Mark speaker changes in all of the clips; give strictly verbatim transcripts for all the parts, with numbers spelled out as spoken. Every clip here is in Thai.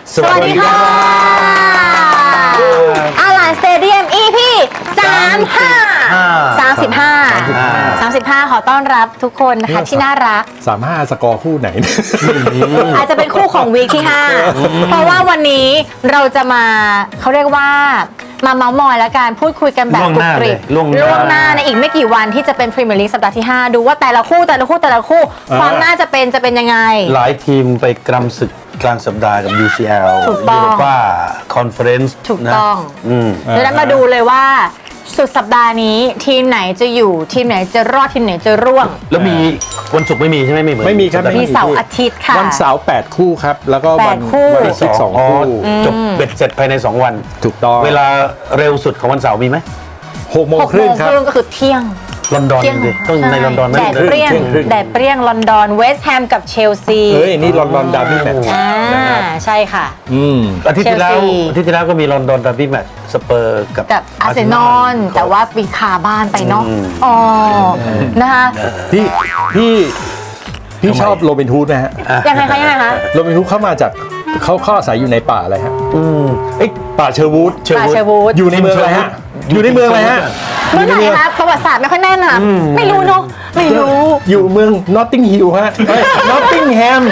Speaker 1: สวัสดีค่ะอาลานสเตเดียม อี พี สามสิบห้า สามสิบห้า สามสิบห้าขอต้อนรับทุกคนนะคะที่น่ารัก
Speaker 2: สามห้าสกอร์คู่ไหน
Speaker 1: อาจจะเป็นคู่ของวีคที่ ห้า เพราะว่าวันนี้เราจะมาเขาเรียกว่ามาเมาส์มอยและการพูดคุยกันแบบกรุบกริบล่วงหน้าในอีกไม่กี่วันที่จะเป็นพรีเมียร์ลีกสัปดาห์ที่ ห้า ดูว่าแต่ละคู่แต่ละคู่แต่ละคู่ความน่าจะเป็นจะเป็นยังไง
Speaker 3: หลายทีมไปกรำศึกกลางสัปดาห์กับ ยู ซี แอล
Speaker 1: ถูกต้อง
Speaker 3: ยูโรป้าคอนเฟอเรนซ์
Speaker 1: ถูกต้อง
Speaker 3: อืม
Speaker 1: ดังนั้นมาดูเลยว่าสุดสัปดาห์นี้ทีมไหนจะอยู่ทีมไหนจะรอดทีมไหนจะร่วง
Speaker 3: แล้วมีวันศุกร์ไม่มีใช่ไหมไม่เหมือน
Speaker 2: ไม่มีครับ
Speaker 1: มีเสาร์อาทิตย์ค่ะ
Speaker 2: วันเสาร์แปดคู่ครับ แล้วก็วัน
Speaker 1: แปดคู่
Speaker 2: วันอาทิตย์สองคู่
Speaker 3: จบเบ็ดเสร็จภายใน สอง วัน
Speaker 2: ถูกต้อง
Speaker 3: เวลาเร็วสุดของวันเสาร์มีไหม
Speaker 2: หกโมง
Speaker 1: หก
Speaker 2: ค
Speaker 1: โม
Speaker 2: รึ่ง
Speaker 1: ง
Speaker 2: ค
Speaker 1: ครับ รึ่งก็คือเที่ยง
Speaker 3: ลอนดอน
Speaker 1: เที่ยง
Speaker 3: ดิต้องในลอนดอนไหม
Speaker 1: แดดเปรี้ยง
Speaker 2: เที่ยงครึ่ง
Speaker 1: แดดเปรี้ยงลอนดอนเวสต์แฮมกับเชลซี
Speaker 2: เฮ้ย นี่ลอนดอนดาร์บี้แมตช์
Speaker 1: อ่าใช่ค่ะ
Speaker 2: อืม
Speaker 3: อาทิตย์ที่แล้ว
Speaker 1: เชลซี
Speaker 3: อาทิตย์ที่แล้วก็มีลอนดอนดาร์บี้แมตช์สเปอร์กับ
Speaker 1: กับอาร์เซนอลแต่ว่าปีคาบ้านไปเนาะ
Speaker 3: อืม
Speaker 1: อ๋อนะคะ
Speaker 2: พี่พี่พี่ชอบโรบินฮูดนะฮะ
Speaker 1: ยังไงคะยังไงคะ
Speaker 2: โรบินฮูดเข้ามาจากเขาเข้าอาศัยอยู่ในป่าอะไรฮะ
Speaker 3: อืมเอ้ย
Speaker 2: ป่าเชอร์วูด
Speaker 1: ปาเชวูด
Speaker 2: อยู่ในเมืองอะไรฮะ อยู่ในเมืองอะไรฮะ
Speaker 1: เมื่อไหร่คะประวัติศาสตร์ไม่ค่อยแน่นอ่ะไม่รู้เนาะไม่รู้
Speaker 2: อยู่เมืองนอตติงฮิลฮะนอตติงแฮม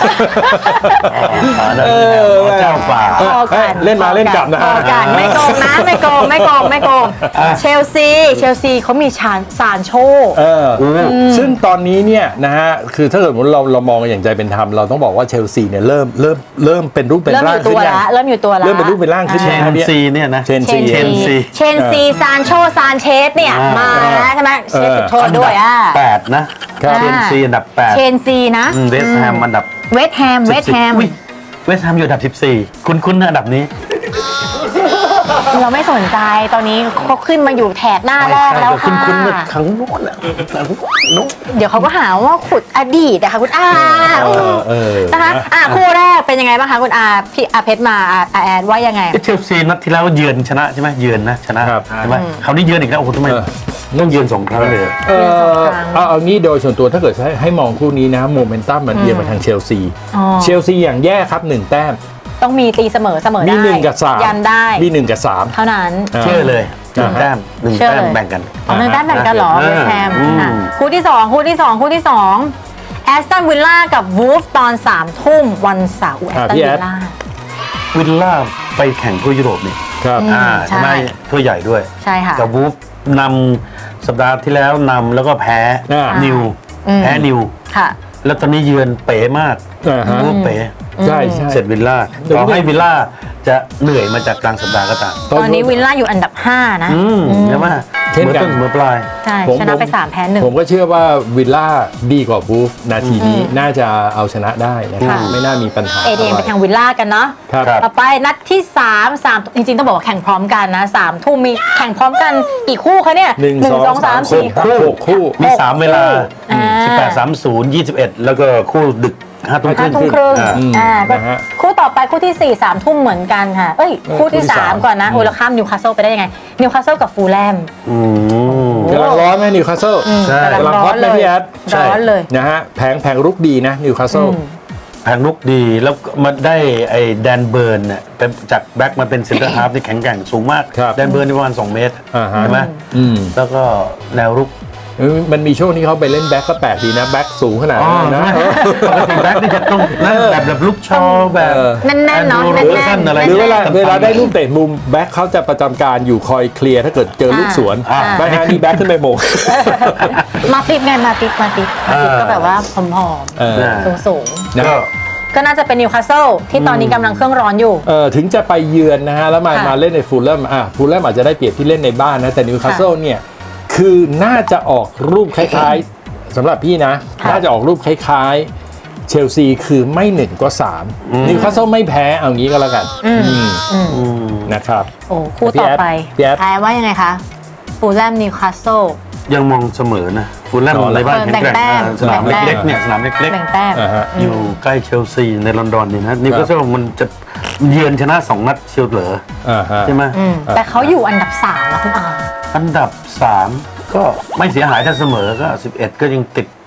Speaker 3: เออเจ้าป่า
Speaker 2: เออเอ้ยเล่นมาเล่นกลับนะ
Speaker 1: พอกันไม่โกงนะไม่โกงไม่โกงไม่โกงเชลซีเชลซีเขามีชานซานโช
Speaker 2: เออซึ่งตอนนี้เนี่ยนะฮะคือถ้าเกิดเราเรามองกันอย่างใจเป็นธรรมเราต้องบอกว่าเชลซีเนี่ยเริ่มเริ่มเริ่มเป็นรูปเป็น
Speaker 1: เริ่มอ
Speaker 2: ร่าง
Speaker 1: ยู่ตั
Speaker 2: ขึ้
Speaker 1: วน
Speaker 2: ยัง
Speaker 1: ละเริ่มอยู่ตัวละ
Speaker 2: เริ่มเป็นรูปเป็นร่างขึ้น
Speaker 3: เช
Speaker 2: ยัง
Speaker 3: น
Speaker 2: ครับเนี่ย
Speaker 3: ซีเนี่ยนะ
Speaker 2: เชน
Speaker 1: เช
Speaker 2: ซี
Speaker 1: น
Speaker 3: เชนซี
Speaker 1: ซีเชนซีซานโชซานเชสเนี่ย
Speaker 3: อ่าม
Speaker 1: มาแล้วใช่ไหมเชสจุดโทษด้วยอ่ะ
Speaker 3: แปดนะครับ เชนซีอันดับแปด
Speaker 1: เชนซีนะ
Speaker 3: เวสต์แฮมอันดับ
Speaker 1: เวสต์แฮมเวสต์แฮม
Speaker 3: อุ๊ยเวสต์แฮมอยู่อันดับสิบสี่คุ้นคุ้นๆนะอันดับนี้
Speaker 1: เราไม่สนใจตอนนี้เขาขึ้นมาอยู่แถบหน้าแรกแล้ว
Speaker 3: คุ้น
Speaker 1: ค่ะ
Speaker 3: คุ้นๆเมื่อครั้งโน้นอะครั้งโน้น
Speaker 1: เดี๋ยวเขาก็หาว่าขุดอดีตนะคะคุณอา
Speaker 2: เออเออ
Speaker 1: นะคะอ่ะคู่แรกเป็นยังไงบ้างคะคุณอาพี่อาเพชรมาอาอาแอดว่ายังไง
Speaker 3: เชลซีนัดที่แล้วเยือนชนะใช่ไหมเยือนนะชนะครับ ใช่ไหมคราวนี้เยือนอีกแล้วโอ้โหทำไม
Speaker 2: เออ
Speaker 3: ต้องเยือนสองครั้งเลย
Speaker 2: เออเอาเอางี้โดยส่วนตัวถ้าเกิดให้ให้มองคู่นี้นะโมเมนตัมมันเอียงมาทางเชลซี
Speaker 1: อ๋อ
Speaker 2: เชลซีอย่างแย่ครับหนึ่งแต้ม
Speaker 1: ต้องมีตีเสมอเสมอ
Speaker 2: มี
Speaker 1: ได้
Speaker 2: หนึ่งกับสาม
Speaker 1: ยันได้
Speaker 2: มีหนึ่งกับสาม
Speaker 1: เท่านั้น
Speaker 3: เชื่อเลยหนึ่ง
Speaker 2: อ่าฮะ
Speaker 3: แต้มหนึ่ง
Speaker 1: เชื่อ
Speaker 3: แต้ม
Speaker 1: เลย
Speaker 3: แบ่งกัน
Speaker 1: ของหนึ่งแต้มแบ่งกันเหรอ
Speaker 3: อ่า
Speaker 1: เวสต์แฮม
Speaker 3: อืม
Speaker 1: อ่ะคู่ที่สองคู่ที่สองคู่ที่สองแอสตันวิลล่ากับวูฟตอนสามทุ่มวันเสาร์แอสตัน
Speaker 2: พี่
Speaker 1: วิ
Speaker 2: แอ
Speaker 1: ล
Speaker 2: ด
Speaker 1: ล่า
Speaker 3: วิลล่าไปแข่งทั่วยุโรปนี่
Speaker 2: ครับ
Speaker 1: อืม
Speaker 3: อ่าใช่ไหม
Speaker 1: ใช่
Speaker 3: ทั่วใหญ่ด้วย
Speaker 1: ใช่ค่ะ
Speaker 3: กับวูฟนำสัปดาห์ที่แล้วนำแล้วก็แพ้
Speaker 2: อ่า
Speaker 3: นิว
Speaker 1: อืม
Speaker 3: แพ้นิว
Speaker 1: ค่ะ
Speaker 3: แล้วตอนนี้เยือนเป๋มาก
Speaker 2: อ่าฮะ
Speaker 3: วูฟเป๋
Speaker 2: ใช่ใช่
Speaker 3: เสร็จวิลล่า
Speaker 2: เดี๋ยว
Speaker 3: ต่อให้วิลล่าจะเหนื่อยมาจากกลางสัปดาห์ก็ตาม
Speaker 1: ตอนนี้วิลล่าอยู่อันดับห้านะ
Speaker 3: อืมใช่ไหม
Speaker 2: เช่น
Speaker 3: เมื่อ
Speaker 2: กัน
Speaker 3: ต้นเมื่อปลาย
Speaker 1: ใช่
Speaker 2: ผม
Speaker 1: ชนะไป
Speaker 2: ผม
Speaker 1: สามแพ้หนึ่ง
Speaker 2: ผมก็เชื่อว่าวิลล่าดีกว่าบูฟนาทีนี้น่าจะเอาชนะได้นะครับ
Speaker 1: ค่ะ
Speaker 2: ไม่น่ามีปัญหา
Speaker 1: เอเดียงไปทางวิลล่ากันเนาะ
Speaker 2: ครับ
Speaker 3: ครับ
Speaker 1: ต่อไปนัดที่สามสามจริงๆต้องบอกว่าแข่งพร้อมกันนะสามทุ่มมีแข่งพร้อมกันกี่คู่คะเนี่ย
Speaker 2: หนึ่งสองสาม
Speaker 1: สี่
Speaker 2: สี่หกคู่
Speaker 3: มีสามเวลา
Speaker 1: อ่า
Speaker 3: สิบแปด สามสิบ ยี่สิบเอ็ด แล้วก็คู่ดึกห้าทุ่มค
Speaker 1: ห้า
Speaker 3: รึ่ง
Speaker 1: ทุ่มครึ่ง
Speaker 3: อ่า
Speaker 2: อืม
Speaker 1: อ่าก็
Speaker 2: นะฮะ
Speaker 1: คู่ต่อไปคู่ที่สี่สามทุ่มเหมือนกันค่ะ เอ้ย
Speaker 2: เออ
Speaker 1: คู่ที่
Speaker 2: คู่ที่
Speaker 1: สาม
Speaker 2: สาม
Speaker 1: ก่อนนะ
Speaker 2: อืม
Speaker 1: โอ้เราข้ามนิวคาสเซิลไปได้ยังไงนิวคาสเซิลกับฟูลแลม
Speaker 3: อืม
Speaker 2: กำลังร้อนไหมนิวคาสเซิล
Speaker 3: ใช่
Speaker 1: กำลังร้อน
Speaker 2: กำลังฮอตไหม
Speaker 1: เลย
Speaker 2: พี่แอด
Speaker 3: ใช่
Speaker 1: ร้อนเลย
Speaker 2: นะฮะแผงแผงรุกดีนะนิวคาสเซิล
Speaker 3: แผงลุกดีแล้วมาได้ไอ้แดนเบิร์นเนี่ยเป็นจากแบ็กมาเป็นเซนเตอร์ฮาร์ฟที่แข็งแกร่งสูงมาก
Speaker 2: ครับ
Speaker 3: แดนเบิร์นนี่ประมาณสองเมตร
Speaker 2: อ่าฮะ
Speaker 3: ใช่ไหม
Speaker 2: อืม
Speaker 3: แล้วก็แนวรุก
Speaker 2: เออมันมีช่วงที่เขาไปเล่นแบ็คก็แปลกดีนะแบ็คสูงขนาดนั้นนะ
Speaker 3: ปกติแบ็กนี่จะต้องนั่นแบบแบบลุกชอแบบ
Speaker 2: เออ
Speaker 1: แน่นๆเนาะ
Speaker 3: แอนดรู
Speaker 1: แน่
Speaker 3: โรเบอร์สัน
Speaker 1: น
Speaker 3: อะไร
Speaker 1: ๆ
Speaker 2: หรือเวลา
Speaker 3: ต่ำๆ
Speaker 2: เวลาได้ลูกเตะมุมแบ็คเขาจะประจำการอยู่คอยเคลียร์ถ้าเกิดเจอลูกสวน
Speaker 3: อ่า
Speaker 2: ไม่ฮะนี่แบ็คขึ้นไปโมง
Speaker 1: มาติดไงมาติดมาติดมาติดก็แบบว่าผอม
Speaker 2: เออ
Speaker 1: ๆสูง
Speaker 2: นะ
Speaker 3: ก็
Speaker 1: ๆก็น่าจะเป็นนิวคาสเซิลที่ตอนนี้กำลังเครื่องร้อนอยู่
Speaker 2: เออถึงจะไปเยือนนะฮะแล้วมา
Speaker 1: ค่ะ
Speaker 2: มาเล่นในฟูลแลมอ่ะฟูลแลมอาจจะได้เปรียบที่เล่นในบ้านนะแต่นิวคาสเซิลเนี่ยคือน่าจะออกรูปคล้ายๆสำหรับพี่นะ
Speaker 1: ค่ะ
Speaker 2: น่าจะออกรูปคล้ายๆเชลซีคือไม่หนึ่งก็สามนิวคาสเซิลไม่แพ้เอางี้ก็แล้วกันอืม
Speaker 1: อืม
Speaker 3: อืม
Speaker 2: นะครับ
Speaker 1: โอ้คู่ต่อไป
Speaker 2: พี่แอด
Speaker 1: ทายว่ายังไงคะฟูลแลมนิวคาสเซิล
Speaker 3: ยังมองเสมอนะฟูลแลม
Speaker 2: อ๋อ
Speaker 3: ในบ้าน
Speaker 1: เออ
Speaker 3: แข็งแกร่ง
Speaker 1: แบ่งแต้ม
Speaker 3: อ่าสนาม
Speaker 1: แบ่งแต้ม
Speaker 3: เล็กๆเนี่ยสนามเล็ก
Speaker 1: แบ่งแต้ม
Speaker 2: อ่าฮะ
Speaker 3: ๆ อยู่ใกล้เชลซีในลอนดอนนี่นะนิวคาสเซิลมันจะเยือนชนะสองนัดเชียวเหรอ
Speaker 2: อ่าฮะ
Speaker 3: ใช่ไหม
Speaker 1: อืมแต่เขาอยู่อันดับสามนะคุณอา
Speaker 3: อันดับสามก็ไม่เสียหายถ้าเสมอก็สิบเอ็ดก็ยังติด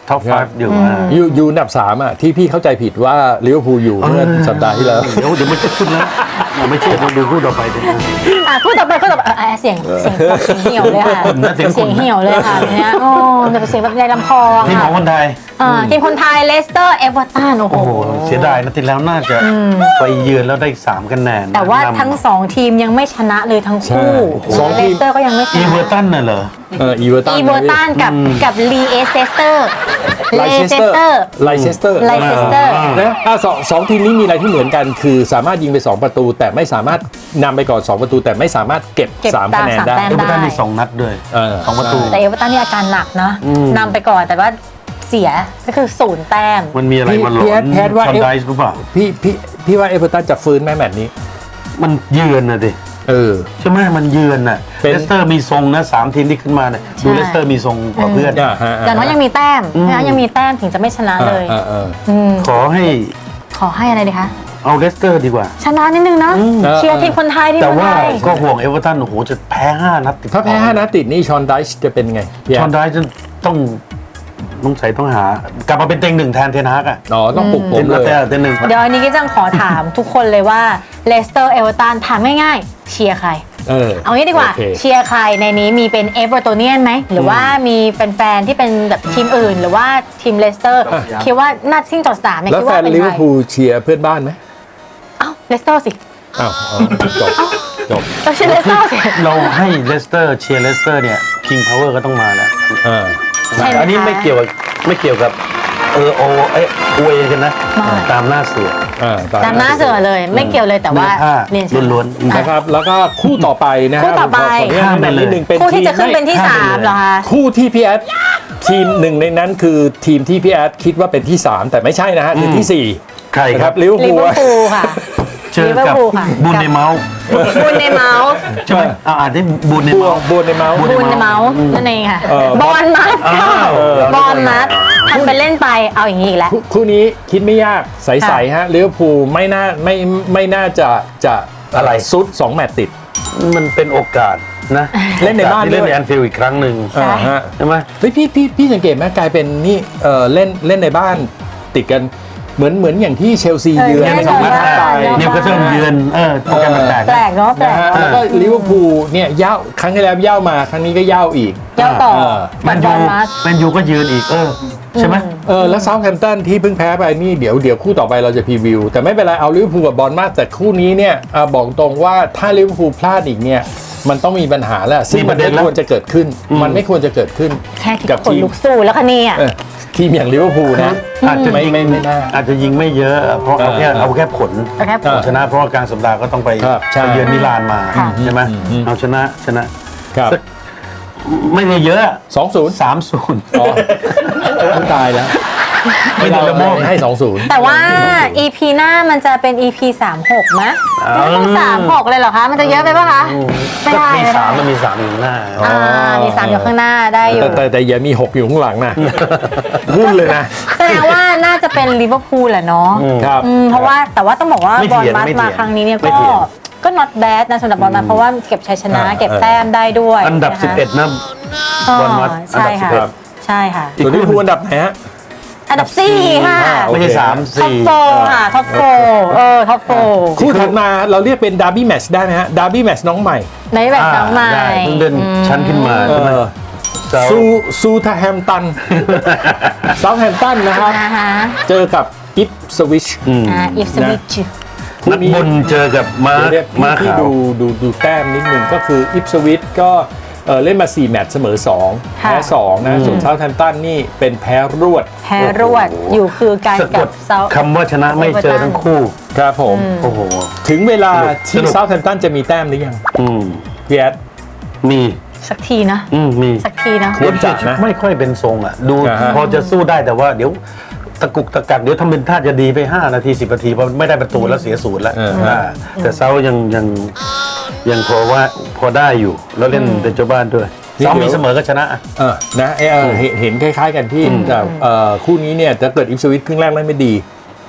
Speaker 3: ท็อปไฟอยู่อ่ะ
Speaker 2: อยู่อยู่อันดับสามอ่ะที่พี่เข้าใจผิดว่าลิเวอร์พูลอยู่เมื่อสัปดาห์ที่แล้ว
Speaker 3: เดี๋ยวเดี๋ยวไม่จะขึ้นแล้วไม่เชื่อดูคู่ต่อไปดิ
Speaker 1: อ่ะพูดต่อไปพูดต่อไปเออเสียงเสียงแบบเสียงเหี่ยวเลยค่ะ
Speaker 3: นะเสียงคุณ
Speaker 1: เสียงเหี่ยวเลยค่ะเนี่ยโอ้แบบเสียงแบบในลำคอ
Speaker 3: ทีมขอ
Speaker 1: ค่ะ
Speaker 3: งคนไทย
Speaker 1: อ่าทีมคนไทยเลสเตอร์เอเวอร์ตันโอ้โห
Speaker 3: โอ้โหเสียดายนะทีแล้วน่าจะไปเยือนแล้วได้สามคะแนน
Speaker 1: แต่ว่าทั้งสองทีมยังไม่ชนะเลยทั้งคู่
Speaker 2: ใช่สองที
Speaker 1: เล
Speaker 2: ม
Speaker 1: สเตอร์ก็ยังไม่ช
Speaker 3: อี
Speaker 1: นะ
Speaker 3: เวอร์ตันน่ะเหรอ
Speaker 2: เอออีเวอร์ตัน
Speaker 1: อีเวอร์ตันกับกับลีเอสเตอร์
Speaker 2: ไล
Speaker 1: เล
Speaker 2: เช
Speaker 1: เซ
Speaker 2: สเตอร์
Speaker 1: เตอร์
Speaker 2: ไลเชสเตอร์
Speaker 1: ไลเซสเตอร์
Speaker 2: นะอ่ะสองสองทีมนี้มีอะไรที่เหมือนกัน คือสามารถยิงไปสองประตู แต่ไม่สามารถนำไปก่อนสองประตู แต่ไม่สามารถเก็บ
Speaker 1: เก็บ
Speaker 2: สาม
Speaker 1: ตาม
Speaker 2: คะแนน
Speaker 1: สาม
Speaker 2: ได้
Speaker 1: แต้ม
Speaker 3: เอเวอร์ตันมีสองนัดด้วย
Speaker 2: เออ
Speaker 3: สองประตู
Speaker 1: แต่เอเวอร์ตันนี่อาการหนักนะนำไปก่อนแต่ว่าเสียก็คือศูนย์แต้ม
Speaker 3: มันมีอะไรมาหล
Speaker 2: พี่
Speaker 3: อ
Speaker 2: แอด
Speaker 3: น
Speaker 2: พี่แอดว่า
Speaker 3: ชอนไดส์หรือเปล่า
Speaker 2: พี่พี่พี่ว่าเอเวอร์ตันจะฟื้นไหมแมตช์นี้
Speaker 3: มันเยือนน่ะดิ
Speaker 2: เออ
Speaker 3: ใช่ไหมมันเยือนน่ะ
Speaker 2: เป็น
Speaker 3: เลสเตอร์มีทรงนะสามทีมที่ขึ้นมาเนี่ยดูเลสเตอร์มีทรงกว่าเพื่อน
Speaker 2: อ่าฮะ
Speaker 1: อย่างน้อยยังมีแต้มนะยังมีแต้มถึงจะไม่ชนะเลย
Speaker 2: อ่าอ่า
Speaker 1: อืม
Speaker 3: ขอให้
Speaker 1: ขอให้อะไรดีคะ
Speaker 3: เอาเลสเตอร์ดีกว่า
Speaker 1: ชนะนิดนึงนะ
Speaker 2: อืม
Speaker 1: เชียร์ทีมคนไทยทีม
Speaker 3: แต่
Speaker 1: คน
Speaker 3: ว่า
Speaker 1: ไทย
Speaker 3: ก็ห่วงเอเวอร์ตันโอ้โหจะแพ้ห้านัดติด
Speaker 2: ถ้าแพ้ห้านัดติดนี่ชอนไดช์จะเป็นไงพี่แอ
Speaker 3: ชอน
Speaker 2: ด
Speaker 3: ไดส์จะต้องต้องใส่ต้องหากลับมาเป็นเต็งหนึ่งแทนเทนฮากอ่ะ
Speaker 2: อ๋อต้องปลุกผมเลย
Speaker 3: เต็งหนึ่ง
Speaker 1: เดี๋ยวอันนี้ก็จังขอถามทุกคนเลยว่าเลสเตอร์เอเวอร์ตันถามง่ายๆเชียร์ใคร
Speaker 2: เออ
Speaker 1: เอางี้ดีกว่า
Speaker 2: โอเค
Speaker 1: เชียร์ใครในนี้มีเป็นเอเวอร์ตันเนียนไหมหรือว่ามีแฟนๆที่เป็นแบบทีมอื่น หรือว่าทีมเลสเตอร์คิดว่าน่าซิ่งต่อสนามเนี่ย
Speaker 2: แล้ว
Speaker 1: คิด
Speaker 2: แฟ
Speaker 1: ว่าน เป็น
Speaker 2: ลิ
Speaker 1: ใค
Speaker 2: เว
Speaker 1: ร
Speaker 2: อร์พูลเชียร์เพื่อนบ้านไหม
Speaker 1: เอ้าเลสเตอร์สิ
Speaker 2: อ้าวอ๋อจบจบ
Speaker 1: เราเชียร์เลสเตอร์สิ
Speaker 3: เราให้เลสเตอร์เชียร์เลสเตอร์เนี่ยคิงพาวเวอร์ก็ต้องมาแล้ว
Speaker 2: อ่า
Speaker 1: ใช่ไหมคะ
Speaker 3: อันนี้ไม่เกี่ยวกับไม่เกี่ยวกับเออโอเอยอวยกันนะ
Speaker 1: ไม่
Speaker 3: ตามหน้าเสือ
Speaker 2: อ่า
Speaker 1: ตามหน้าเสือเลยไม่เกี่ยวเลยแต่ว่า
Speaker 3: เนื้อผ้า
Speaker 1: เรียนเชิญ
Speaker 3: ล้วนๆ
Speaker 2: นะครับแล้วก็คู่ต่อไปนะฮะ
Speaker 1: คู่ต่อไป
Speaker 2: ขออนุญาตแนะนำนิดนึงเป็น
Speaker 1: คู่ที่จะขึ้น
Speaker 2: ทีม
Speaker 1: เป็นที่สามเหรอคะ
Speaker 2: คู่ที่พี่แอดทีมหนึ่งในนั้นคือทีมที่พี่แอดคิดว่าเป็นที่สามแต่ไม่ใช่นะฮะคือที่สี่
Speaker 3: ใคร
Speaker 2: นะ
Speaker 3: ค
Speaker 2: ค
Speaker 3: รั
Speaker 2: รั
Speaker 3: บบ
Speaker 2: ลิเวอร์
Speaker 1: ลิ
Speaker 2: พู
Speaker 1: เว
Speaker 2: ล
Speaker 1: อร์พูลค่ะ
Speaker 3: เจอกับ
Speaker 1: ลิเวอร์พูลค่ะ
Speaker 3: บูนในเมาส์
Speaker 1: บุญในเมาส์
Speaker 3: ใช่ไหมอ่าอ่านได้บูนใน
Speaker 2: บัว
Speaker 3: เมาส์
Speaker 2: บัวในเมาส์
Speaker 1: บุญในเมาส์นั่นเองค่ะ
Speaker 2: เออบ
Speaker 1: อลมัด
Speaker 3: อ้าว
Speaker 1: บอลมัดทำไปเล่นไปเอาอย่างนี้อีกแล้ว
Speaker 2: คู่คู่นี้คิดไม่ยากใสๆฮะลิเวอร์พูลไม่น่าไม่ไม่น่าจะจะ
Speaker 3: อะไร
Speaker 2: ซุดสองแมตช์ติด
Speaker 3: มันเป็นโอกาสนะ
Speaker 2: เล่นในบ้าน
Speaker 3: โอกสที่เล่น
Speaker 2: ด้วย
Speaker 3: ในแอนฟิลด์อีกครั้งหนึ่ง
Speaker 1: ใช่
Speaker 2: อ่าฮะ
Speaker 3: ใช่ไหม
Speaker 2: เฮ้ยพี่พี่พี่สังเกตไหมกลายเป็นนี่เออเล่นเล่นในบ้านติดกันเหมือนเหมือนอย่างที่เชลซี
Speaker 1: เออ
Speaker 2: เยือน
Speaker 1: เล่น
Speaker 2: สองนัด
Speaker 1: ในบ้าน
Speaker 2: ไป
Speaker 1: เนอะ
Speaker 3: นิวคาสเซิลเยือนเออโปรแกรมมันแตก
Speaker 1: แปลกเนาะแปล
Speaker 2: นะ
Speaker 1: ก
Speaker 2: ฮะแล้วก็ลิเวอร์พูลเนี่ยย่าวครั้งที่แล้วย่าวมาครั้งนี้ก็ย่าวอีก
Speaker 1: เย้าต่อ
Speaker 2: เออ
Speaker 3: แมน
Speaker 1: บ
Speaker 3: ยู
Speaker 1: อลมัด
Speaker 3: แมนยูก็ยืนอีกเออใช่ไหม
Speaker 2: เออแล้วเซาท์แฮมป์ตันที่เพิ่งแพ้ไปนี่เดี๋ยวเดี๋ยวคู่ต่อไปเราจะพรีวิว แต่ไม่เป็นไรเอาลิเวอร์พูลกับบอลมาแต่คู่นี้เนี่ยอ่ะบอกตรงว่าถ้าลิเวอร์พูลพลาดอีกเนี่ยมันต้องมีปัญหาแล้วซึ่งมันไม่ควรจะเกิดขึ้น มันไม่ควรจะเกิดขึ้น
Speaker 1: แค่คิด
Speaker 2: กับ
Speaker 1: คน
Speaker 2: ทีม
Speaker 1: ลุกสู้แล้วคะเนี่ย
Speaker 2: เออทีมอย่างลิเวอร์พูลนะ
Speaker 3: อาจจะ
Speaker 2: ไม่ไม่ไม่น่า
Speaker 3: อาจจะยิงไม่เยอะเพราะเอาแค่
Speaker 2: เออ
Speaker 3: เอาแค่ผล
Speaker 1: เอาแค่ผล
Speaker 3: ชนะเพราะว่ากลางสัปดาห์ก็ต้องไป
Speaker 2: ครับใช่
Speaker 3: ไปเยือนมิลานมา
Speaker 1: ค่ะ
Speaker 3: ใช่ไหม
Speaker 2: อืมอืม
Speaker 3: เอาชนะชนะ
Speaker 2: ครับ
Speaker 3: สักไม่ได้เยอะ
Speaker 2: สองศูนย์
Speaker 3: สามศูนย์
Speaker 2: อ๋อตายแล้ว
Speaker 3: ไม่ได้ระบบ
Speaker 2: ให้สองศูนย์
Speaker 1: แต่ว่า อี พี หน้ามันจะเป็น อี พี สามหกไหมไม่ต้องสามหกเลยเหรอคะ มันจะเยอะไปปะคะไม่
Speaker 3: ก็
Speaker 1: ได้
Speaker 3: มี
Speaker 1: ไม่
Speaker 3: สาม
Speaker 1: ได้
Speaker 3: มันมีสามอยู่หน้า
Speaker 1: อ่ามีสามอยู่ข้างหน้าได้อยู่
Speaker 2: แต่แต่แต่อย่ามีหกอยู่ข้างหลังนะวุ่นเลยนะ
Speaker 1: แสดงว่าน่าจะเป็นลิเวอร์พูลแหละเนาะ
Speaker 2: ครับ
Speaker 1: อืมเพราะว่าแต่ว่าต้องบอกว่า
Speaker 3: ไม่
Speaker 1: บอล
Speaker 3: เถียง
Speaker 1: มัด
Speaker 3: ไม่เถียง
Speaker 1: มาครั้งนี้เนี่ย
Speaker 3: ไม่
Speaker 1: ก็
Speaker 3: เถียง
Speaker 1: ก็ not bad นะสำหรับบอลมัดเพราะว่าเก็บชัยชนะ
Speaker 2: อ่า
Speaker 1: เก็บแต้มได้ด้วย
Speaker 3: อันดับ
Speaker 1: ะคะ
Speaker 3: สิบเอ็ดนะ
Speaker 1: อ๋อบ
Speaker 3: อลมัด
Speaker 1: ใช่ค่ะ
Speaker 3: อันดับสิบเอ็ด
Speaker 1: ใช่ค่ะ
Speaker 2: ส่วนลิเวอร์พูลอันดับไหนฮะ
Speaker 1: อันดับสี่ค่ะ
Speaker 2: อ่าโอ
Speaker 3: ไม่
Speaker 2: เค
Speaker 3: ใช่สาม
Speaker 1: ท็อป
Speaker 3: สี่
Speaker 1: โฟค่ะท็อปโฟเออท็อปโฟ
Speaker 2: คู่ถัดมาเราเรียกเป็นดาร์บี้แมตช์ได้ไหมฮะดาร์บี้แมตช์น้องใหม่
Speaker 1: ในแบบน้องใหม่
Speaker 3: ได้เพิ่งเดินชั้นขึ้นมา
Speaker 2: เอ
Speaker 3: ใช่ไหม
Speaker 2: อ
Speaker 3: เซา
Speaker 2: ซูซูทาแฮมตันเซาท์แฮมตันนะครับ
Speaker 1: นะคะ
Speaker 2: เจอกับอิฟสวิช
Speaker 3: อืม
Speaker 1: อ่าอิฟสวิช
Speaker 3: นักบนเจอกับม้า
Speaker 2: เดี๋ยว
Speaker 3: ม้า
Speaker 2: พี่
Speaker 3: ขาว
Speaker 2: ดูดูดูแต้มนิดนึงก็คืออิฟสวิชก็เอ่อเล่นมาสี่แมตช์เสมอสองแพ้สองนะส่วนเซาท์แฮมตันนี่เป็นแพ้รวด
Speaker 1: แพ้รวดอยู่คือการ
Speaker 3: สะก
Speaker 1: กั
Speaker 3: ด
Speaker 1: บเซา
Speaker 3: คำว่าชนะไม่เจอทั้งคู่
Speaker 2: ครับผม
Speaker 3: โอ้โห
Speaker 2: ถึงเวลา
Speaker 3: ส
Speaker 2: ที่
Speaker 3: นุก
Speaker 2: เซาท์แฮมตันจะมีแต้มหรือยัง
Speaker 3: อืม
Speaker 2: พี่แอด
Speaker 3: มี
Speaker 1: สักทีนะ
Speaker 3: อืมมี
Speaker 1: สักทีนะ
Speaker 2: ควรจะนะ
Speaker 3: ไม่ค่อยเป็นทรงอ่ะ ดู
Speaker 2: อ่าฮะ
Speaker 3: พอจะสู้ได้แต่ว่าเดี๋ยวตะกุกตะกักเดี๋ยวทำเป็นท่าจะดีไปห้านาทีสิบนาทีพอไม่ได้ประตูแล้วเสียศูนย์แล้ว
Speaker 2: เออ
Speaker 3: อ่าแต่เซายังยังยังพอว่าพอได้อยู่ แล้วเล่นเป็นเจ้าบ้านด้วย
Speaker 2: นี่
Speaker 3: เซา
Speaker 2: เดี๋ยว
Speaker 3: มีเสมอก็ชนะ
Speaker 2: เออนะเออเห็นเห็นคล้ายๆกันพี่แต่เอ่อคู่นี้เนี่ยถ้าเกิดอิฟสวิชครึ่งแรกเล่นไม่ดี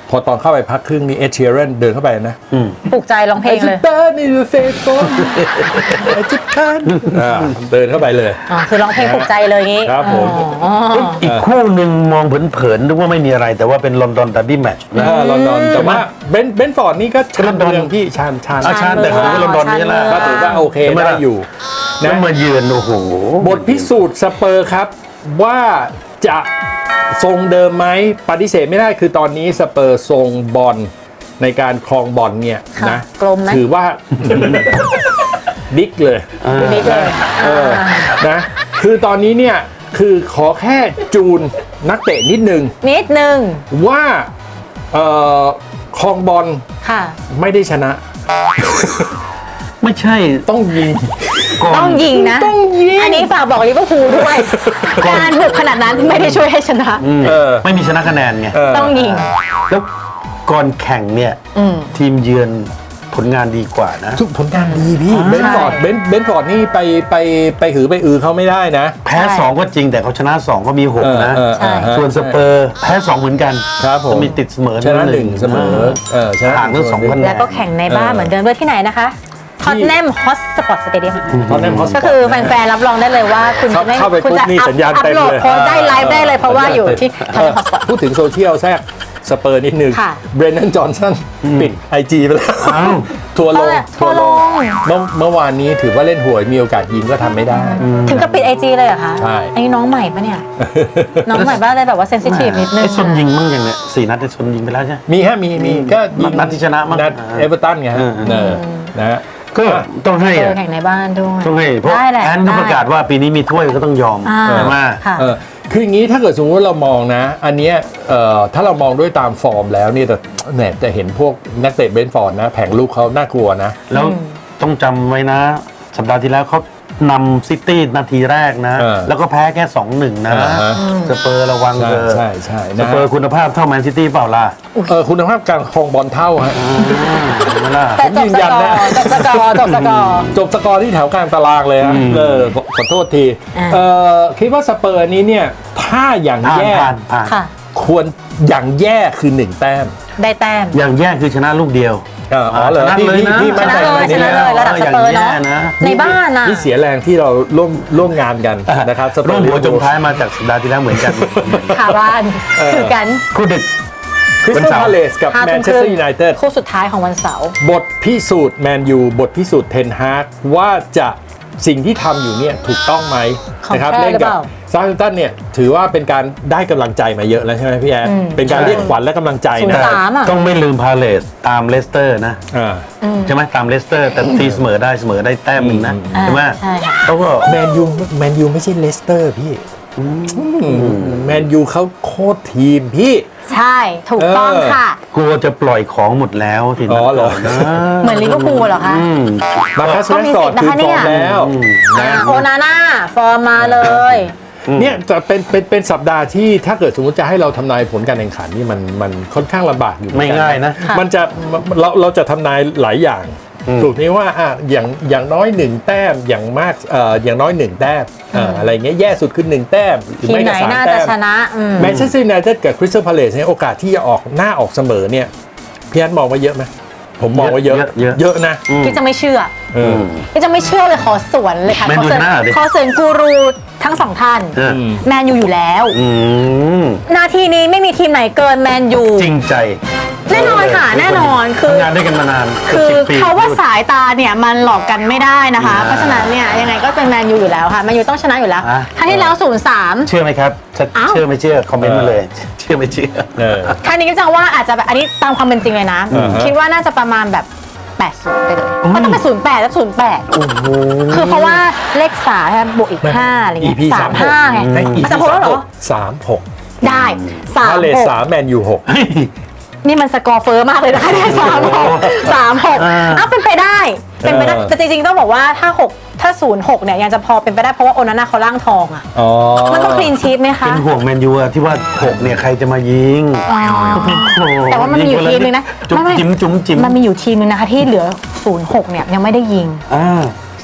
Speaker 2: พอตอนเข้าไปพักครึ่งนี้เอเชียรนเดินเข้าไปนะ
Speaker 1: ปลุกใจร้องเพลงเลย
Speaker 2: I just burn in the face for I just can't อ่าเดินเข้าไปเลย
Speaker 1: อ๋อคือร้องเพลงปลุกใจเลยงี้
Speaker 2: ครับผม
Speaker 1: อ๋อ
Speaker 3: อีกคู่หนึ่งมองเผินๆนึกว่าไม่มีอะไรแต่ว่าเป็นลอนดอนดับบี้แมตช์นะ
Speaker 2: อ่าลอนดอนแต่ว่าเบนเบนฟอร์ดนี่ก็ชา
Speaker 3: ลอนดอน
Speaker 2: เมืองพี่ชานชาน
Speaker 3: อาชาญแต่ของลอนดอนนี่แหละ
Speaker 2: ก็ถือว่าโอเคได้อยู่
Speaker 3: แล้ว
Speaker 2: นะ
Speaker 3: มาเยือนโอ้โห
Speaker 2: บทพิสูจน์สเปอร์ครับว่าจะทรงเดิมไหมปฏิเสธไม่ได้คือตอนนี้สเปอร์ทรงบอลในการครองบอลเนี่ย
Speaker 1: ค่ะ
Speaker 2: นะ
Speaker 1: กลมไหม
Speaker 2: ถือว่า บิ๊กเลย
Speaker 1: นิดเลย
Speaker 2: เออนะคือตอนนี้เนี่ยคือขอแค่จูนนักเตะนิดนึง
Speaker 1: นิดนึง
Speaker 2: ว่าเอ่อครองบอล
Speaker 1: ค่ะ
Speaker 2: ไม่ได้ชนะ
Speaker 3: ไม่ใช่
Speaker 2: ต้องยิง
Speaker 3: ก่อน
Speaker 1: ต้องยิงนะ
Speaker 2: ต้องยิง
Speaker 1: อันนี้ฝากบอกลิเวอร์พูลด้วย การบุกขนาดนั้นไม่ได้ช่วยให้ชนะ
Speaker 3: อืม
Speaker 2: เออ
Speaker 3: ไม่มีชนะคะแนนไง
Speaker 2: เออ
Speaker 1: ต้องยิง
Speaker 3: แล้วก่อนแข่งเนี่ย
Speaker 1: อืม
Speaker 3: ทีมเยือนผลงานดีกว่านะ
Speaker 2: ทุกผลงานดีพี่
Speaker 3: อ่า
Speaker 2: เบนฟอร์ดเบนเบนฟอร์ดนี่ไปไปไปหือไปอือเขาไม่ได้นะ
Speaker 3: แพ้
Speaker 1: ใช่
Speaker 3: สองก็จริงแต่เขาชนะสองก็มีหกนะ
Speaker 2: เออเออเออ
Speaker 3: ส่วนสเปอร์แพ้สองเหมือนกัน
Speaker 2: ครับผม
Speaker 3: จะมีติดเสมอ
Speaker 2: ชนะหนึ่งเสมอเออชนะ
Speaker 3: ห่างทั้งสองคะแนน
Speaker 1: แล้วก็แข่งในบ้านเหมือนเดิมด้วยที่ไหนนะคะท็อตแนมฮอสสปอร์ตสเตเดียม
Speaker 2: ตอนนั้นเขา
Speaker 1: ก็คือแฟนๆรับรองได้เลยว่าคุณจะไม่
Speaker 2: เข้าไป
Speaker 1: คุณจะ
Speaker 2: ปุ๊บนี่
Speaker 1: อัพ
Speaker 2: สัญญาณ
Speaker 1: อัพ
Speaker 2: เต็ม
Speaker 1: โหลด
Speaker 2: เลย
Speaker 1: โพสต์ได้ไลฟ์ได้เลยเพราะว่าอยู่ที่ท็อตแนมฮอสสปอร์ต
Speaker 2: พูดถึงโซเชียลแทรกสเปอร์นิดนึง
Speaker 1: ค่ะ
Speaker 2: เบรนนันจอห์นสันปิดไอจีไปแล้ว
Speaker 3: อ้าว
Speaker 2: ทัวร์ลง
Speaker 1: ทัวร์ลง
Speaker 2: เมื่อเมื่อวานนี้ถือว่าเล่นหวยมีโอกาสยิงก็ทำไม่ได้
Speaker 1: ถึงกับปิดไอจีเลยเหรอคะ
Speaker 2: ใช่
Speaker 1: อันนี้น้องใหม่ปะเนี่ย น้องใหม่บ้างเลยแบบว่าเซนซิทีฟนิดนึง
Speaker 3: ไอ้ซนยิงมั่งอย่างเนี้ยสี่นัดไอ้ซนยิงไปแล้วใช่ไหม
Speaker 2: มีฮะมีมีก็ยิง
Speaker 3: นัดที่ชนะมั้ง
Speaker 2: นัด
Speaker 3: อ่า
Speaker 2: เอเวอร์ตันไงฮะ
Speaker 3: อืม
Speaker 2: เออนะฮะ
Speaker 3: ก็ต้องให้
Speaker 1: เจ
Speaker 3: อะ
Speaker 1: อแข่งในบ้านด้วย
Speaker 3: ต้องให้เพราะ
Speaker 1: ได้แหละ
Speaker 3: แอนก็ประกาศว่าปีนี้มีถ้วยก็ต้องยอม
Speaker 1: อ่า
Speaker 3: ใช่ไหม
Speaker 1: ค่ะ
Speaker 2: เออคืออย่างนี้ถ้าเกิดสมมติว่าเรามองนะ อันเนี้ยเอ่อถ้าเรามองด้วยตามฟอร์มแล้วเนี่ยแต่แหมจะเห็นพวกนักเตะเบนฟอร์ดนะ แผงลูกเขาน่ากลัวนะ
Speaker 3: แล้วต้องจำไว้นะ สัปดาห์ที่แล้วเขานำซิตี้นาทีแรกนะ
Speaker 2: เออ
Speaker 3: แล้วก็แพ้แค่ สองหนึ่ง นะ
Speaker 2: อ่าฮะ
Speaker 3: สเปอร์ระวัง
Speaker 2: ใช่
Speaker 3: เถอะ
Speaker 2: ใช่ใช่
Speaker 3: ส
Speaker 2: นะ
Speaker 3: เปอร์คุณภาพเท่าแมนซิตี้เปล่าล่ะ
Speaker 2: เออคุณภาพการครองบอลเท่าฮะ
Speaker 3: เห็นไหมล่ะ
Speaker 1: แต่จบ
Speaker 2: ยืน
Speaker 1: ส
Speaker 2: ยัน
Speaker 1: กอ
Speaker 2: นะ
Speaker 1: ร์จบสกอร์จบสกอร์
Speaker 2: จบสกอร์ที่แถวกลางตารางเลยฮะ
Speaker 3: อืม
Speaker 2: เออขอขอโทษที
Speaker 1: อ่า
Speaker 2: เออคิดว่าสเปอร์นี้เนี่ยถ้าอย่าง
Speaker 3: ผ่าน
Speaker 2: แย่
Speaker 3: ผ่านผ่าน
Speaker 1: ค่ะ
Speaker 2: ควรอย่างแย่คือหนึ่งแต้ม
Speaker 1: ได้แต้ม
Speaker 3: อย่างแย่คือชนะลูกเดียว
Speaker 2: เอออ๋อเหรอ
Speaker 3: ชนะ
Speaker 2: พี่
Speaker 3: เลย
Speaker 2: พี่
Speaker 3: นะ
Speaker 2: พี่มั่นใจ
Speaker 1: ชนะเลย
Speaker 2: ใน
Speaker 1: ชนะเลยระดับสเปอร์เนาะ
Speaker 3: อย่างแย่นะ
Speaker 1: ในบ้านน่ะ
Speaker 2: นี่เสียแรงที่เราร่วมร่วมงานกันนะครับสเปอ
Speaker 3: ร่วม
Speaker 2: ร์
Speaker 3: หัวจมท้ายมาจากสัปดาห์ที่แล้วเหมือนกัน
Speaker 1: ขาบ้านคือกัน
Speaker 3: คู่ดึก
Speaker 2: คริส
Speaker 3: วัน
Speaker 2: ตัล
Speaker 3: เสาร์
Speaker 2: พาเลสกับ
Speaker 1: ห้า
Speaker 2: แม
Speaker 1: ทุ่
Speaker 2: น
Speaker 1: ม
Speaker 2: เช
Speaker 1: ค
Speaker 2: ส
Speaker 1: รึ่
Speaker 2: เตอง ร์ยูไนเต็ด
Speaker 1: คู่สุดท้ายของวันเสาร์
Speaker 2: บทพิสูจน์แมนยูบทพิสูจน์เทนฮากว่าจะสิ่งที่ทำอยู่เนี่ยถูกต้องไหม
Speaker 1: ของ
Speaker 2: นะครับ
Speaker 1: แท้
Speaker 2: เล่น
Speaker 1: หรือ
Speaker 2: กั
Speaker 1: เป
Speaker 2: บ
Speaker 1: ล่า
Speaker 2: ซาร์ตันเนี่ยถือว่าเป็นการได้กำลังใจมาเยอะแล้วใช่ไหมพี่แอน
Speaker 1: อืม
Speaker 2: เป็นการเรียกขวัญและกำลังใจ
Speaker 1: ศูน
Speaker 2: นะ
Speaker 1: ย์สาม อ่ะ
Speaker 3: ต้องไม่ลืมพาเลสตามเลสเตอร์นะ
Speaker 2: อ่า
Speaker 3: ใช่ไหมตามเลสเตอร์แต่ตีเสมอได้เสมอได้แต้มหนึ่งนะ
Speaker 1: อ่า
Speaker 3: ใช่ไหม
Speaker 1: ใช่ค่ะ
Speaker 3: เขาก็
Speaker 2: แมนยูแมนยูไม่ใช่เลสเตอร์พี่แมนยูเขาโคตรทีมพี่
Speaker 1: ใช่ถูกต้อง
Speaker 2: เออ
Speaker 1: ค่ะ
Speaker 3: กลัวจะปล่อยของหมดแล้วที
Speaker 2: อ๋
Speaker 3: นั้
Speaker 2: อเหรอ
Speaker 3: นะ
Speaker 1: เหมือนลิเวอร์พูลเหรอคะ
Speaker 3: อืม
Speaker 2: มาคัส
Speaker 1: ก็
Speaker 2: แร
Speaker 1: มี
Speaker 2: สอ
Speaker 1: สิ
Speaker 2: ร์
Speaker 1: ท
Speaker 2: ด
Speaker 1: ธิ์นะคะ
Speaker 2: คือฟอร์ม
Speaker 1: เนี่ย
Speaker 2: แล้ว
Speaker 1: อ่า
Speaker 2: นะ
Speaker 1: โอนาน่าฟอร์มมาเลย
Speaker 2: เนี่ยจะเป็นเป็นเป็นสัปดาห์ที่ถ้าเกิดสมมติจะให้เราทำนายผลการแข่งขันนี่มันมันค่อนข้างลำบากอยู่เหมือน
Speaker 3: ไม่
Speaker 2: กัน
Speaker 3: ง่ายนะ
Speaker 1: ค่ะ
Speaker 2: มันจะเราเราจะทำนายหลายอย่าง
Speaker 3: อืม
Speaker 2: ถูกนี้ว่าอ่ะอย่างอย่างน้อยหนึ่งแต้มอย่างมากเอ่ออย่างน้อยหนึ่งแต้มเอ่ออะไรเงี้ยแย่สุดคือหนึ่งแต้มหรือ
Speaker 1: ทีม
Speaker 2: ไม่
Speaker 1: ไหน
Speaker 2: ก็สาม
Speaker 1: น่า
Speaker 2: แต้
Speaker 1: จะ
Speaker 2: ม
Speaker 1: ชนะอืม
Speaker 2: แมนเชสเตอร์ยูไนเต็ดกับคริสตัลพาเลซเนี่ยโอกาสที่จะออกหน้าออกเสมอเนี่ยพี่อันมองว่าเยอะไหมผมมองว่าเยอะ
Speaker 3: เยอะเยอะ
Speaker 2: เยอะนะ
Speaker 1: พี่จะไม่เชื่อ
Speaker 2: เออ
Speaker 1: พี่จะไม่เชื่อเลยขอสวนเลยค่ะ
Speaker 3: แมน
Speaker 1: ขอ
Speaker 3: ยู
Speaker 1: เสริญ
Speaker 3: ชนะเหรอดิ
Speaker 1: ขอเสริญกูรูทั้งสองท่าน
Speaker 3: เออ
Speaker 1: แมนยูอยู่แล้ว
Speaker 3: อืม
Speaker 1: นาทีนี้ไม่มีทีมไหนเกินแมนยู
Speaker 3: จริงใจ
Speaker 1: แน่นอนค่ะแน่นอนคือ
Speaker 3: ทำงานด้วยกันมานาน
Speaker 1: คือ
Speaker 3: กืบสิบปี
Speaker 1: เขาว่าสายตาเนี่ยมันหลอกกันไม่ได้นะคะ
Speaker 3: อ่า
Speaker 1: เพราะฉะนั้นเนี่ยยังไงก็เป็นแมนยูอยู่แล้วค่ะแมนยูต้องชนะอยู่แล้ว
Speaker 3: อ่ะ
Speaker 1: ครั้งที่แล้วศูนย์สาม
Speaker 3: เชื่อไหมครับถ้า
Speaker 1: อ้าว
Speaker 3: เชื่อไม่เชื่อคอมเมนต์มาเลย เชื่อไม่เชื่อ
Speaker 2: เออ
Speaker 1: ครั้งนี้ก็จะว่าอาจจะแบบอันนี้ตามความเป็นจริงเลยนะ
Speaker 2: อ่าฮะ
Speaker 1: คิดว่าน่าจะประมาณแบบแปดสิบไปเลยเพราะต้องเป็นศูนย์แปดแล้วศูนย์แปด
Speaker 3: โอ้โห
Speaker 1: คือเพราะว่าเลขสามใช่ไหมบวกอีกห้าอะไรเงี้ย
Speaker 2: อี พี
Speaker 1: สามห้าไง
Speaker 2: ใน อี พี
Speaker 1: มันจะพบแล้วเหรอ
Speaker 2: สามหก
Speaker 1: ได้สาม
Speaker 2: พาเลซ
Speaker 1: หก
Speaker 2: สามแมนยูหก
Speaker 3: เฮ้ย
Speaker 1: นี่มันสกอร์เฟอร์มากเลยนะคะเนี่ยสามหกสามหก
Speaker 3: อ่า
Speaker 1: อ้าวเป็นไปได้ เป็นไปได้
Speaker 2: เออ
Speaker 1: แต่จริงๆต้องบอกว่าถ้าหกถ้าศูนย์หกเนี่ยยังจะพอเป็นไปได้เพราะว่าโอนาน่าเขาล่างทองอ่ะ
Speaker 2: อ๋อ
Speaker 1: มันต้องคลีนชีทไหมคะ
Speaker 3: เป็นห่วงแมนยูอะที่ว่าหกเนี่ยใครจะมายิง
Speaker 1: อ๋อ
Speaker 3: โอ้โห
Speaker 1: แต่ว่ามันมีอยู่ทีมนึงนะ
Speaker 3: จุ๊บ
Speaker 1: ไม่ไม่
Speaker 3: จิ้มจุ๊มจิ้ม
Speaker 1: มันมีอยู่ทีมนึงนะคะที่เหลือศูนย์หกเนี่ยยังไม่ได้ยิง
Speaker 3: อ่า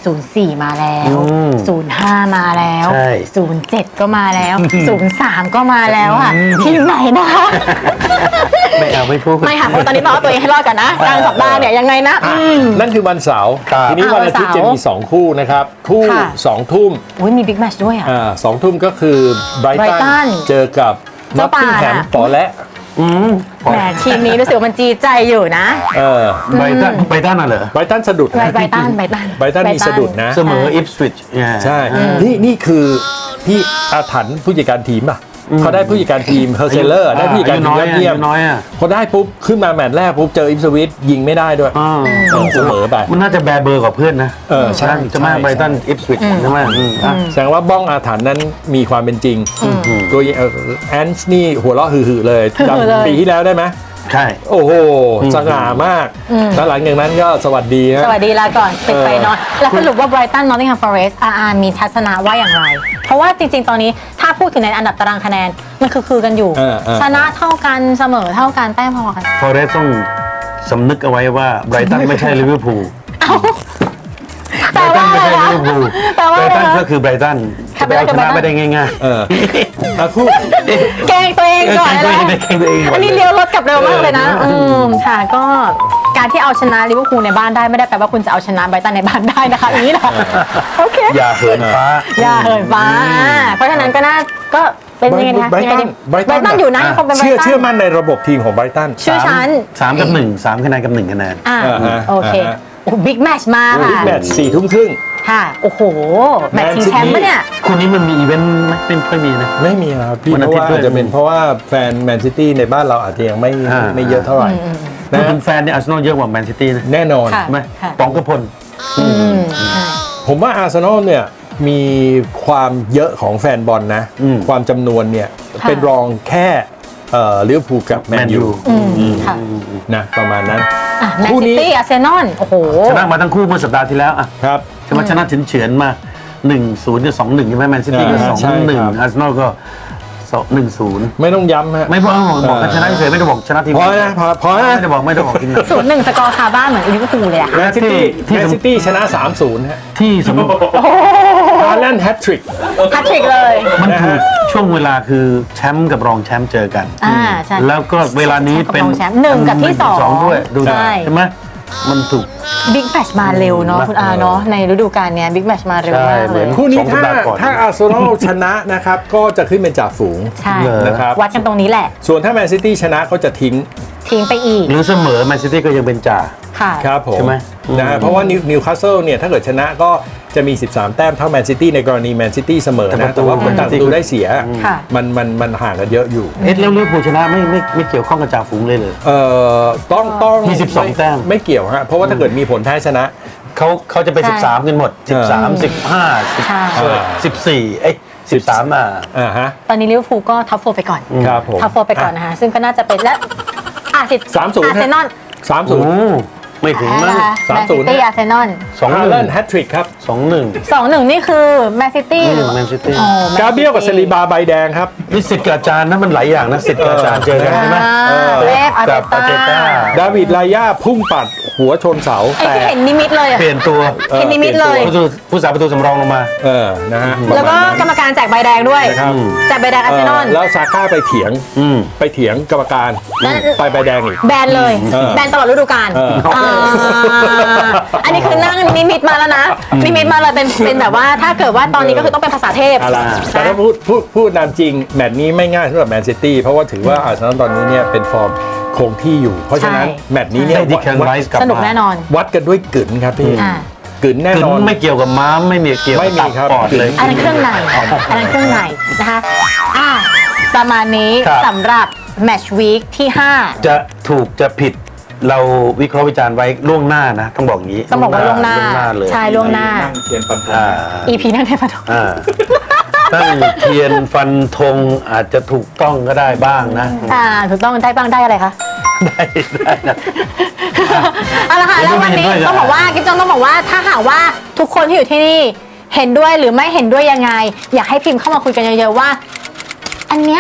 Speaker 1: ศูนย์สี่มาแล้ว
Speaker 3: อืม
Speaker 1: ศูนย์ห้ามาแล้ว
Speaker 3: ใช่
Speaker 1: ศูนย์เจ็ดก็มาแล้วศูนย์สามก็มาแล้วค่ะทีมไหนนะคะ
Speaker 3: ไม่เอาไม่พูด
Speaker 1: ไม่ค่ะเพราะตอนนี้ต้องเอาตัวเองให้รอดก่อนนะกลางสัปดาห์เนี่ยยังไงนะ
Speaker 2: อ่ะ
Speaker 1: อืม
Speaker 2: นั่นคือวันเสาร์
Speaker 3: ครับ
Speaker 2: ทีนี้วันอาทิตย์
Speaker 1: อ่าวันเสาร์
Speaker 2: จะมีสองคู่นะครับคู่
Speaker 1: ค่ะ
Speaker 2: สองทุ่ม
Speaker 1: อุ้ยมีบิ๊กแมตช์ด้วยอ่ะ
Speaker 2: อ่าสองทุ่มก็คือไบรตั
Speaker 1: Brighton
Speaker 2: นเจอกับ
Speaker 1: เจ้าป่า
Speaker 2: แฮม
Speaker 1: น่ะ
Speaker 2: ปอและ
Speaker 3: อืม
Speaker 1: แหมทีมนี้รู้สึกว่ามันจีใจอยู่นะ
Speaker 2: เออ
Speaker 3: ไบตันไบตันน่ะเหรอ
Speaker 2: ไบรตันสะดุด
Speaker 1: ไบไบตันไบตัน
Speaker 2: ไบรตันมีสะดุดนะ
Speaker 3: เสมออิฟสวิตช์
Speaker 2: ใช่ นี่นี่คือพี่อาถรรพ์ผู้จัดการทีมป่ะเขาได้ผู้จัดการทีมเฮอร์เซเลอร์ได้ผู้จัดการทีมยอดเยี่ยม
Speaker 3: น้อยอ่ะ
Speaker 2: พอได้ปุ๊บ ขึ้นมาแมตช์แรกปุ๊บ เจออิปสวิตยิงไม่ได้ด้วย
Speaker 3: อ่า
Speaker 2: เออเสมอไป
Speaker 3: มันน่าจะแบร์เบอร์กว่าเพื่อนนะ
Speaker 2: เออใช่
Speaker 3: จะมา
Speaker 2: ใช่
Speaker 3: ไบตันอิฟสวิตใช่ไหมอืมอ่ะ
Speaker 2: แสดงว่าบ้องอาถรรพ์นั้นมีความเป็นจริงตัวแอนช์นี่หัวเราะหือๆเลย
Speaker 1: หือๆเลย
Speaker 2: จำปีที่แล้วได้ไหม
Speaker 3: ใช่
Speaker 2: โอ้โห สง่ามาก แล้วหลังจากนั้นก็สวัสดีนะ
Speaker 1: สวัสดีลาก่อนปิดไป
Speaker 2: เออ
Speaker 1: นอนแล้วสรุปว่าไบรตันนอตติงแฮมฟอเรสต์อาร์มีทัศนะว่าอย่างไร เพราะว่าจริงๆ ตอนนี้ถ้าพูดถึงในอันดับตารางคะแนน มันคือคือกันอยู่
Speaker 2: เออเออ
Speaker 1: ชนะเท่ากันเสมอเท่ากันแต้มพอกัน
Speaker 3: ฟอเรสต้องสำนึกเอาไว้ว่าไบรตันไม่ใช่ลิเวอร์พูล ไบ
Speaker 1: แต่
Speaker 3: รตั
Speaker 1: ว่าน
Speaker 3: ไม่
Speaker 1: อะไร
Speaker 3: ใช่ลิ
Speaker 1: นะ
Speaker 3: เวอร์พูล
Speaker 1: แต่ว่า
Speaker 3: ไบร
Speaker 1: อะไร
Speaker 3: ตัน
Speaker 1: นะ
Speaker 3: ก็คือไบรตัน
Speaker 1: ค่ะ
Speaker 3: จะไปเอาชนะ
Speaker 1: ไบรตัน
Speaker 3: ไม่ได้ง่าย
Speaker 2: เอออ่ะคู่
Speaker 1: เก่งตัวเองก่อน
Speaker 3: เก่งตัวเอง
Speaker 1: นะ
Speaker 3: เก่งตัวเองก่อน
Speaker 1: อันนี้เลี้ยวรถกลับเร็วมากเลยนะ
Speaker 3: เออ
Speaker 1: อืมค่ะก็การที่เอาชนะลิเวอร์พูลในบ้านได้ไม่ได้แปลว่าคุณจะเอาชนะไบรตันในบ้านได้นะคะอย่างนี้นะโอเค
Speaker 3: ๆ อย่าเหินฟ้า
Speaker 1: อย่าเหินฟ้า เพราะฉะนั้นก็น่าก็เป็นยังไงนะ
Speaker 2: ไบรตัน
Speaker 1: ยังไงดี
Speaker 2: ไบรตัน
Speaker 1: ไบรตันอยู่นะยังคงเป็นไบร
Speaker 2: เชื่อ
Speaker 1: ตัน
Speaker 2: เชื่อมั่นในระบบทีมของไบรตัน
Speaker 1: ชื่อฉัน
Speaker 3: สามกับหนึ่งสามคะแนนกับหนึ่งคะแนน
Speaker 1: อ่า
Speaker 2: อ่าฮะ
Speaker 1: โอเค
Speaker 2: อ่าฮะ
Speaker 1: โอ้บิ๊กแมตช์มา
Speaker 2: บิ๊ก
Speaker 1: ค่ะ
Speaker 2: แมตช์สี่ทุ่มครึ่ง
Speaker 1: ค่ะ โอ้โห แมตช์ชิงแชมป์ปะเนี่ย
Speaker 3: คู่นี้มันมีอีเวนต์ไหมไม่ค่อยมีนะ
Speaker 2: ไม่มีครับพี่
Speaker 3: วัน
Speaker 2: เพ
Speaker 3: อา
Speaker 2: ราะ
Speaker 3: ทิตย์
Speaker 2: ว่า
Speaker 3: ด้วย
Speaker 2: อาจจะเป็นเพราะว่าแฟนแมนซิตี้ในบ้านเราอาจจะยังไม่
Speaker 3: อ่า
Speaker 2: ไม่เยอะเท่าไหร่
Speaker 3: พูด
Speaker 2: นะ
Speaker 3: ถึงแฟนเนี่ยอาร์เซนอลเยอะกว่าแมนซิตี้นะ
Speaker 2: แน่นอน
Speaker 1: ค่ะ
Speaker 3: ใช่ไหม
Speaker 1: ค่ะ
Speaker 3: ปองกระพล
Speaker 1: อืมใช่
Speaker 2: ผมว่าอาร์เซนอลเนี่ยมีความเยอะของแฟนบอลนะ
Speaker 3: อืม
Speaker 2: ความจำนวนเนี่ย
Speaker 1: ค่ะ
Speaker 2: เป็นรองแค่เอ่อลิเวอร์พูลกับแมนยู
Speaker 1: อืมค่ะ
Speaker 2: นะประมาณนั้น
Speaker 1: อ่ะแมน
Speaker 2: คู่
Speaker 1: ซิ
Speaker 2: นี้
Speaker 1: ตี้อาร์เซนอลโอ้โห
Speaker 3: ชนะมาทั้งคู่เมื่อสัปดาห์ที่แล้วอ่ะ
Speaker 2: ครับ
Speaker 3: ใช่ไหมชนะเฉือนๆมาหนึ่งศูนย์กับสองหนึ่งใช่ไหมแมนซิตี้ก็
Speaker 2: อ่า
Speaker 3: สอง
Speaker 2: ใช่
Speaker 3: หนึ่ง
Speaker 2: ครับ
Speaker 3: อาร์เซนอลก็สองหนึ่งศูนย์
Speaker 2: ไม่ต้องย้ำฮะ
Speaker 3: ไม่บอกบอกบอกกันชนะเฉยๆไม่ได้บอกชนะทีม
Speaker 2: พอนะพอพอนะ
Speaker 3: ไม่ได้บอกไม่ได้บอกทีม
Speaker 1: ศูนย์หนึ่งสกอร์คาบ้านเหมือนลิเวอร์พูลเลยอะ
Speaker 2: แมนซิตี้
Speaker 3: ที่
Speaker 2: แมนซิตี้ชนะ สามศูนย์ ฮะ
Speaker 3: ที่สมมติ
Speaker 2: ฮาแลนด์แฮตทริก
Speaker 1: แฮตทริกเลย
Speaker 3: มันถูกช่วงเวลาคือแชมป์กับรองแชมป์เจอกัน
Speaker 1: อ่าใช่
Speaker 3: แล้วก็เวลานี้เป็น
Speaker 1: รองแชมป์หนึ่งกับที่สอง
Speaker 3: ด้วยดู
Speaker 1: ใช่
Speaker 3: ใช่ไหมมันถูก
Speaker 1: บิ๊กแมตช์มาเร็วเนาะคุณอาเนาะในฤดูกาลเนี้ยบิ๊กแมตช์มาเร็วมาก
Speaker 3: ใช่เหมื
Speaker 1: เล
Speaker 3: อย น
Speaker 2: คู่นี้
Speaker 3: สองสัป
Speaker 2: ถ้า
Speaker 3: ดาห์ก่อน
Speaker 2: ถ้าอาร์เซนอลชนะนะครับ ก็จะขึ้นเป็นจ่าฝูง
Speaker 1: ใช่
Speaker 3: เหรอ
Speaker 2: นะครับ
Speaker 1: วัดกันตรงนี้แหละ
Speaker 2: ส่วนถ้าแมนซิตี้ชนะก็จะทิ้ง
Speaker 1: ทิ้งไปอีก
Speaker 3: หรือเสมอแมนซิตี้ก็ยังเป็นจ่า
Speaker 1: ค่ะ
Speaker 2: ครับผม
Speaker 3: ใช่ไหม
Speaker 2: นะฮะเพราะว่านิวคาสเซิลเนี่ยถ้าเกิดชนะก็จะมี สิบสาม แต้มเท่าแมนซิตี้ในกรณีแมนซิตี้เสมอนะแต่ว่าผลต่างประตูได้เสีย
Speaker 1: ค่ะ
Speaker 2: มันมันมันห่างกันเยอะอยู่
Speaker 3: เอ็ดแล้วลิเวอร์พูลชนะไม่ไม่ไม่เกี่ยวข้องกับจ่าฝูงเลยเลย
Speaker 2: เอ่อต้องต้อง
Speaker 3: มีสิบสอง
Speaker 2: ไ
Speaker 3: แต้ม
Speaker 2: ไม่เกี่ยวฮะเพราะว่าถ้าเกิดมีผลแพ้ชนะ
Speaker 3: เขาเขาจะไป
Speaker 1: ใช่
Speaker 3: สิบสามกันหมดสิบสามสิบห้าสิบ
Speaker 1: ใช่
Speaker 3: สิบสี่เอ้ยสิบสามอ่ะ
Speaker 2: อ่าฮะ
Speaker 1: ตอนนี้ลิเวอร์พูลก็ท็อปโฟร์ไปก่อน
Speaker 2: ครับผม
Speaker 1: ท็อปโฟร์ไปก่อนนะคะซึ่งก็น่าจะเป็นและอ่ะสิ
Speaker 2: สามศูนย์
Speaker 1: อาร์เซนอล
Speaker 2: สาม
Speaker 3: โอ้
Speaker 2: ศูนย์
Speaker 3: ไม่ถึงมั้ง
Speaker 2: สามศูนย์
Speaker 1: แมนซิตี้อาร์เซนอล
Speaker 3: สองห
Speaker 2: ฮา
Speaker 3: นึ่
Speaker 2: แล
Speaker 3: ง
Speaker 2: นด์แฮตทริกครับ
Speaker 3: สองหนึ่ง
Speaker 1: สองหนึ่งนี่คือแมนซิตี้หรือ
Speaker 3: แมนซิตี้
Speaker 1: อ๋อ Man
Speaker 2: กาเบรียลกับ
Speaker 1: City
Speaker 2: เซรีบาใบแดงครับ
Speaker 3: นี่สิทธิ์กับอาจารย์นะมันหลายอย่างนะสิทธิ์กับอาจารย์เจอกันใช่ไหม
Speaker 1: อ่าเวฟอาร์
Speaker 3: กับ
Speaker 1: เต
Speaker 3: อาร์เต
Speaker 1: ต้า
Speaker 3: ต้า
Speaker 2: ดาวิดลายาพุ่งปัดหัวชนเสา
Speaker 1: ไอ้
Speaker 2: แต่
Speaker 1: ที่เห็นนิมิตเลยอะ
Speaker 3: เปลี่ยนตัว
Speaker 2: เออ
Speaker 1: เห็นนิมิตเลย
Speaker 3: ผู้สู้ผู้สาประตูสำรองลงมา
Speaker 2: เออนะฮะ
Speaker 1: แล้วก็กรรมการแจกใบแดงด้วย
Speaker 2: นะครับ
Speaker 1: แจกใบแดงอาร์เซนอล
Speaker 2: เออแล้วซาก้าไปเถียง
Speaker 3: อืม
Speaker 2: ไปเถียงกรรมการ
Speaker 1: แล้ว
Speaker 2: ไปใบแดงอีก
Speaker 1: แบนเลย
Speaker 2: เออ
Speaker 1: แบนตลอดฤดูกาล
Speaker 2: เออ
Speaker 1: อ่าอันนี้คือนั่งนิมิตมาแล้วนะ นิมิตมาเลยเป็นเป็นแบบว่าถ้าเกิดว่าตอนนี้ก็คือต้องเป็นภาษาเทพ
Speaker 2: อะไรแต่
Speaker 1: นะ
Speaker 2: ถ้าพูดพูดพูดนามจริง แมตช์นี้ไม่ง่ายสำหรับแมนซิตี้เพราะว่าถือว่าอาร์เซนอลตอนนี้เนี่ยเป็นฟอร์มคงที่อยู่ เพราะฉะนั้น
Speaker 1: ใช่
Speaker 2: แมตช์นี้เนี่ย
Speaker 3: ให้ดิแคน
Speaker 2: วัด
Speaker 3: ไรส์กลับ
Speaker 1: สนุก
Speaker 3: มา
Speaker 1: แน่นอน
Speaker 2: วัดกันด้วยกึ๋นครับพี่
Speaker 1: อ่า
Speaker 2: กึ๋นแน่
Speaker 3: คือน
Speaker 2: อน
Speaker 3: ไม่เกี่ยวกับม้ามไม่มีเกี่ยว
Speaker 2: ไม่
Speaker 3: กับ
Speaker 2: มี
Speaker 3: ตับ
Speaker 2: ครับ
Speaker 3: ปอดเลย
Speaker 1: อันนั้นเครื่องในอันนั้นเครื่องในนะคะอ่าประมาณนี้
Speaker 3: ครับ
Speaker 1: สำหรับแมตช์วีคที่ห้า
Speaker 3: จะถูกจะผิดเราวิเคราะห์วิจารณ์ไว้ล่วงหน้านะ ต้องบอกอย่างนี้
Speaker 1: ต้องบอกว่าล่วงหน้า
Speaker 3: ล่วงหน้าเลย
Speaker 1: ใช่ล่วงหน้า
Speaker 2: เทียนปัน
Speaker 3: อ่า
Speaker 1: อีพีนั่นเทพทอง
Speaker 3: อ่าตั้งเทียนฟันธงอาจจะถูกต้องก็ได้บ้างนะ
Speaker 1: อ่าถูกต้องได้บ้างได้อะไรคะ
Speaker 3: ได้ได้นะ
Speaker 1: เอาละค่ะแล้ววันนี้
Speaker 3: เห็นด้วย
Speaker 1: ต้องบอกว่ากิ๊บจองต้องบอกว่าถ้าหากว่าทุกคนที่อยู่ที่นี่เห็นด้วยหรือไม่เห็นด้วยยังไง อยากให้พิมพ์เข้ามาคุยกันเยอะๆว่า อันเนี้ย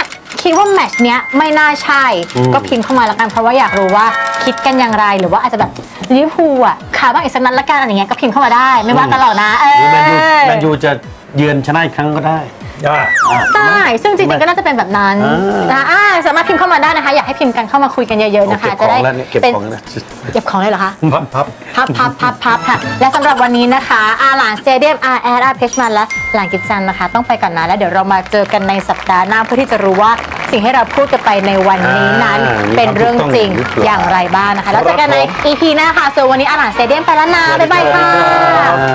Speaker 1: คิดว่าแมตช์เนี้ยไม่น่าใช่ก็พิมพ์เข้ามาแล้วกันเพราะว่าอยากรู้ว่าคิดกันอย่างไรหรือว่าอาจจะแบบลิเวอร์พูลอ่ะขาบ้างอีกสักนัดละกันอะไรเงี้ยก็พิมพ์เข้ามาได้ไม่ว่ากันหรอกนะเอ
Speaker 3: หรือแมนยู
Speaker 1: อ
Speaker 3: แมนยูจะเยือนชนะอีกครั้งก็ได้
Speaker 2: อ่า
Speaker 1: ได้ซึ่งจริงๆก็น่าจะเป็นแบบนั้น
Speaker 3: อ่าน
Speaker 1: นะอ่าสามารถพิมพ์เข้ามาได้นะคะ อยากให้พิมพ์กันเข้ามาคุยกันเยอะๆนะคะ
Speaker 3: เก็บ
Speaker 1: จะ
Speaker 3: ขอ
Speaker 1: ได้
Speaker 3: งแล้วเนี่ยเก็บ
Speaker 1: เป็น
Speaker 3: ของแล้ว
Speaker 1: เก็บของเลยเหรอคะ
Speaker 2: พับพับ
Speaker 1: พับพับพับพับค่ะ และสำหรับวันนี้นะคะอาหลานสเตเดียมอาแอดอาเพชมันและหลานกิจจันนะคะ ต้องไปก่อนนะแล้วเดี๋ยวเรามาเจอกันในสัปดาห์หน้าเพื่อที่จะรู้ว่าสิ่งที่เราพูดกันไปในวันนี้นั้น
Speaker 3: อ่า
Speaker 1: เป็นเรื่องจริง
Speaker 3: มีความถูกต้องหรือเปล่า
Speaker 1: อย่างไรบ้างนะคะแล้วเจอกันใน อี พี หน้าค่ะส่วนวันนี้อาหลานสเตเดียมไปแล้วนะบ๊ายบายค่ะ